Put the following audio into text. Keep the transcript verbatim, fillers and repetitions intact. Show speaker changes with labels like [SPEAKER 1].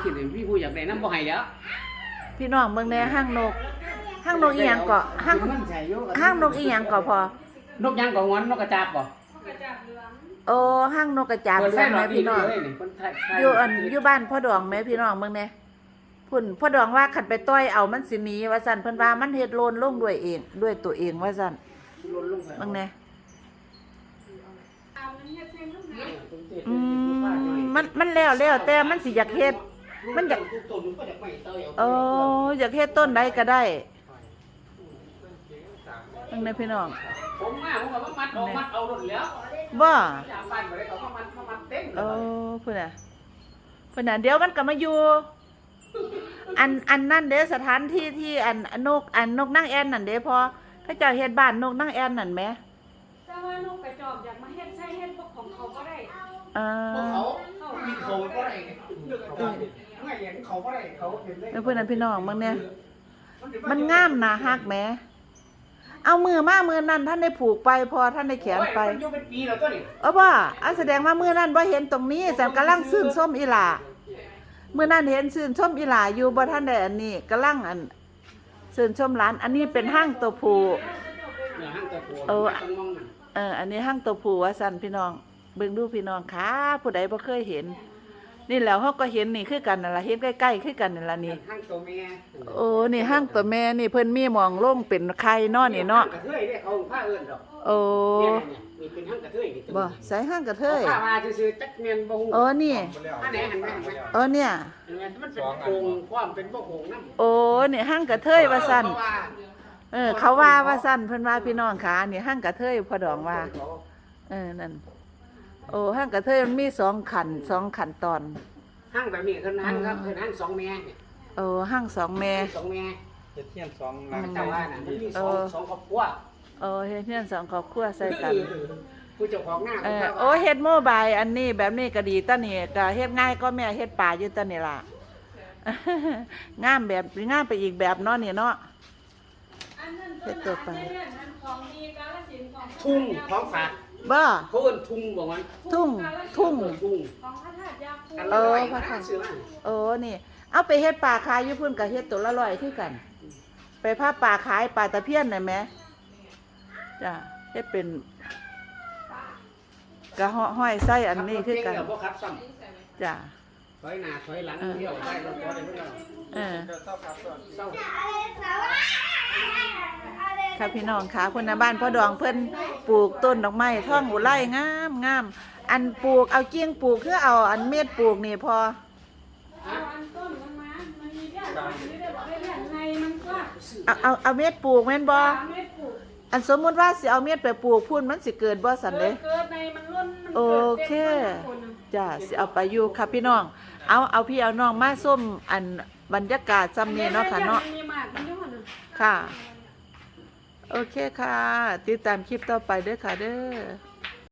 [SPEAKER 1] สิพี่ผู้อยากได้น้ำบ่ให้แล้ว
[SPEAKER 2] พี่น้องเมืองแน่ห้างนกห้างนกอีหยังเกาะห้างห้างนกอีหยังเกาะพอน
[SPEAKER 1] กยังก็งอนนกกระจาบบ่
[SPEAKER 2] โอ้ห้างนกกระจาบใช่ไหมพี่น้องอยู่อันอยู่บ้านพ่อดองไหมพี่น้องเมืองแน่พุ่นพ่อดองว่าขันไปต้อยเอามันสิหนีว่าสั่นเพิ่นว่ามันเฮ็ดโลนลงด้วยเองด้วยตัวเองว่าสั่นเมืองแน่อืมมันมันแล้วแล้วแต่มันสิอยากเฮ็ดมันอยากเอออยากเฮ็ดต้นใดก็ได้เมืองแน่พี่น้อง
[SPEAKER 1] ผมมาผมก็มัดออกมัดเอารถแล้ว
[SPEAKER 2] บ่
[SPEAKER 1] เอ
[SPEAKER 2] อเพิ่นน่ะเพิ่นน่ะเดี๋ยวมันก็มาอยู่อันอันนั่นเด้สถานที่ที่อันนกอันนกนางแอ่นนั่นเด้พอเขาเจ้าเฮ็ดบ้านนกนางแอ่นนั่นแหม
[SPEAKER 3] แต่ว่านกกระจอกอยากมาเฮ็ดใช้เฮ็ดพวกของเขาก็ได้
[SPEAKER 2] เออ
[SPEAKER 1] เขามีเขาก็ได้ไม่เห็นเขาก็ได้เขาเห็นได้
[SPEAKER 2] เพิ่นนั่นพี่น้องมึงเนี่ยมันงามน่าฮักแหมเอามือมามือนั้นท่านได้ผูกไปพอท่านได้แขนไป
[SPEAKER 1] มันอยู่เป็นปีแล้วตัวนี้
[SPEAKER 2] เออบ่อ่ะแสดงว่ามือนั้นบ่เห็นตรงนี้แต่กำลังซื่นส้มอีหล่ามือนั้นเห็นซื่นส้มอีหล่าอยู่บ่ท่านได้อันนี้กำลังอันซื่นส้มหลานอันนี้เป็นห้างตัวผู้เออเอออันนี้ห้างตัวผู้ว่าซั่นพี่น้องเบิ่งดูพี่น้องค่ะผู้ใดบ่เคยเห็นนี่แล้วเฮาก็เห็นนี่คือกันนั่นล่ะเห็นใกล้ๆคือกันนั่นล่ะนี่
[SPEAKER 1] ห้างตัวแม่
[SPEAKER 2] โอ้นี่ห้างตัวแม่นี่เพิ่นมีหมองลงเป็นไข่เนาะนี่เนาะ
[SPEAKER 1] กระเทยเด้เขาผ้าเอิ้นดอก
[SPEAKER 2] โอ้
[SPEAKER 1] นี่เป็นห้างกระเทยนี่
[SPEAKER 2] บ่ใส่ห้างกระเทย
[SPEAKER 1] ผ้ามาซื่อๆจักแม่นบ่ฮู้
[SPEAKER 2] เออนี่
[SPEAKER 1] อันไหนหันไปหันไป
[SPEAKER 2] เออเนี่ย
[SPEAKER 1] มันเป็นโครงความเป็นบ่โครงนำ
[SPEAKER 2] โอ้นี่ห้างกระเทยว่าซั่นเออเขาว่าว่าซั่นเพิ่นว่าพี่น้องขานี่ห้างกระเทยพ่อดองว่าเออนั่นโอ้ห้างกระเทยมันมีสองขั้นสองขั้นตอน
[SPEAKER 1] ห้างแบบนี้คือห้างครับคือห้างสองแม่เนี่ย
[SPEAKER 2] โอ้ห้างสองแม่
[SPEAKER 1] สองแม่
[SPEAKER 4] เฮ็ดเทียนสองหลัง
[SPEAKER 1] แต่ว่าน่ะมันมีสองสองครอบครัว
[SPEAKER 2] เออเฮ็ดเทียนสองครอบครัวใส่กัน
[SPEAKER 1] ผู้เจ้าของหน้า
[SPEAKER 2] เออโอ้เฮ็ดโมบายอันนี้แบบนี้ก็ดีตะนี่ก็เฮ็ดง่ายก็แม่เฮ็ดป่าอยู่ตะนี่ล่ะงามแบบงามไปอีกแบบเนาะนี่เนาะ
[SPEAKER 3] เฮ็ดตัวไป
[SPEAKER 1] ทุ่งท้องฝาก
[SPEAKER 2] บ่
[SPEAKER 1] เขาเอิ้นทุ่งบ่มัน
[SPEAKER 2] ทุ่งทุ่งเออพระธาตุเออนี่เอาไปเฮ็ดป่าขายอยู่พุ่นก็เฮ็ดตัวละร้อยคือกันไปพาป่าขายป่าตะเพียนได้มั้ยจ้ะเฮ็ดเป็นกะห้อยไส้อันนี้คือกันจ้ะ
[SPEAKER 1] ถอยหน้าถอยหลังเที่ยวได้รถบ่ได้เพิ่น
[SPEAKER 2] เออค่ะพี่น้องค่ะคนในบ้านพ่อดองเพิ่นปลูกต้นดอกไม้ท่องอุไลงามงามอันปลูกเอาเกี้ยงปลูกคือเอาอันเม็ดปลูกนี่พอเอาเอาเอาเม็ดปลูกแม่นบ่อันสมมุติว่าสิเอาเม็ดไปปลูกพุ่นมันสิเกิดบ่สั่นเด้โอเคจ้ะสิเอาไปอยู่ค่ะพี่น้องเอาเอาพี่เอาน้องมาส้มอันบรรยากาศซ้ำนี้เนาะค่ะเนาะค่ะโอเคค่ะติดตามคลิปต่อไปเด้อค่ะเด้อ